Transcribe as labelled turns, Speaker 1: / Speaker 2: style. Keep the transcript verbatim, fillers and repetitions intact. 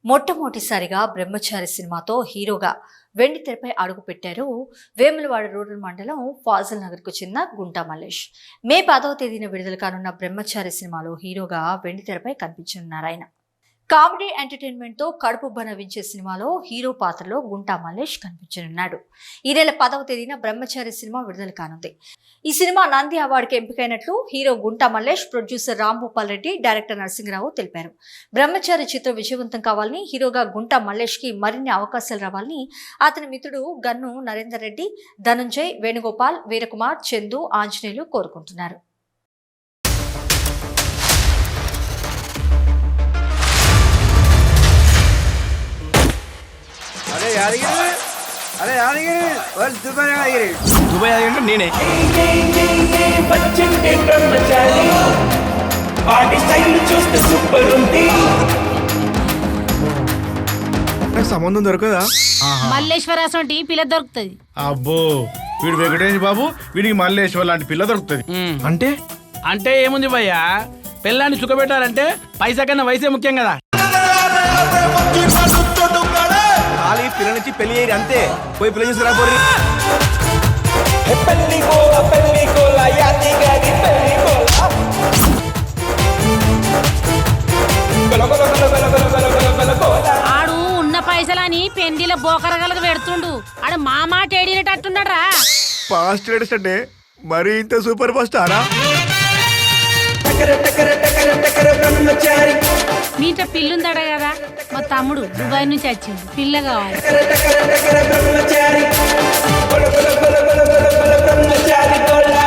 Speaker 1: మొట్టమొదటిసారిగా బ్రహ్మచారి సినిమాతో హీరోగా వెండి తెరపై అడుగుపెట్టారు వేములవాడ రూరల్ మండలం ఫాజల్ నగర్కు చెందిన గుంటా మల్లేష్. మే పదవ తేదీన విడుదల కానున్న బ్రహ్మచారి సినిమాలో హీరోగా వెండి తెరపై కనిపించనున్నారు ఆయన. కామెడీ ఎంటర్టైన్మెంట్ తో కడుపుబ్బ నవ్వించే సినిమాలో హీరో పాత్రలో గుంటా మల్లేష్ కనిపించనున్నాడు. ఈ నెల పదవ తేదీన బ్రహ్మచారి సినిమా విడుదల కానుంది. ఈ సినిమా నంది అవార్డుకి ఎంపికైనట్లు hero Gunta Mallesh, producer Rambhupal Reddy, director Narasimharao తెలిపారు. బ్రహ్మచారి చిత్రం విజయవంతం కావాలని, హీరోగా గుంటా మల్లేష్ కి మరిన్ని అవకాశాలు రావాలని అతని మిత్రుడు గన్ను నరేందర్ రెడ్డి, ధనుంజయ్, వేణుగోపాల్, వీరకుమార్, చందు, ఆంజనేయులు కోరుకుంటున్నారు.
Speaker 2: అరే యాదగిరి అరే యాదగిరి వాళ్ళు దుబాయ్ యాదగిరి దుబాయ్ యాదగిరి నేనే
Speaker 3: బచ్చంటే బ్రహ్మచారి బాడీ స్టైల్ చూస్తే సూపర్ ఉంది.
Speaker 2: నాకు సంబంధం దొరకదా?
Speaker 4: మల్లేశ్వరాసంటి పిల్ల దొరుకుతుంది.
Speaker 5: అబ్బో వీడు వెంకటేష్ బాబు, వీడికి మల్లేశ్వర్ లాంటి పిల్ల దొరుకుతుంది.
Speaker 2: అంటే
Speaker 6: అంటే ఏముంది భయ్యా, పిల్లాన్ని సుఖపెట్టాలంటే పైసా కన్నా వయసే ముఖ్యం కదా.
Speaker 2: ఖాళీ పిల్ల నుంచి పెళ్లి అయ్యి అంతే, పోయి పిల్ల చేసుకురా పోరి.
Speaker 3: పెళ్లి గోల పెళ్లి గోల యాదిగారి పెళ్లి గోల గోల గోల గోల గోల గోల గోల గోల గోల గోల.
Speaker 4: ఆడు ఉన్న పైసలని పెండిల బోకరగలకు పెడుతుండు. ఆడు మా మాట ఏడినట్టున్నాడు రా.
Speaker 2: ఫాస్ట్ లేటెస్ట్ అంటే మరి ఇంత సూపర్ ఫాస్ట్ ఆరా?
Speaker 3: టకర టకర టకర టకర బ్రహ్మచారి
Speaker 4: మీ ఇంట్లో పిల్లుందట కదా, మా తమ్ముడు దుబాయ్ నుంచి వచ్చింది, పిల్ల కావాలి.
Speaker 3: టకర టకర టకర బ్రహ్మచారి గోల గోల గోల గోల గోల గోల బ్రహ్మచారి గోల.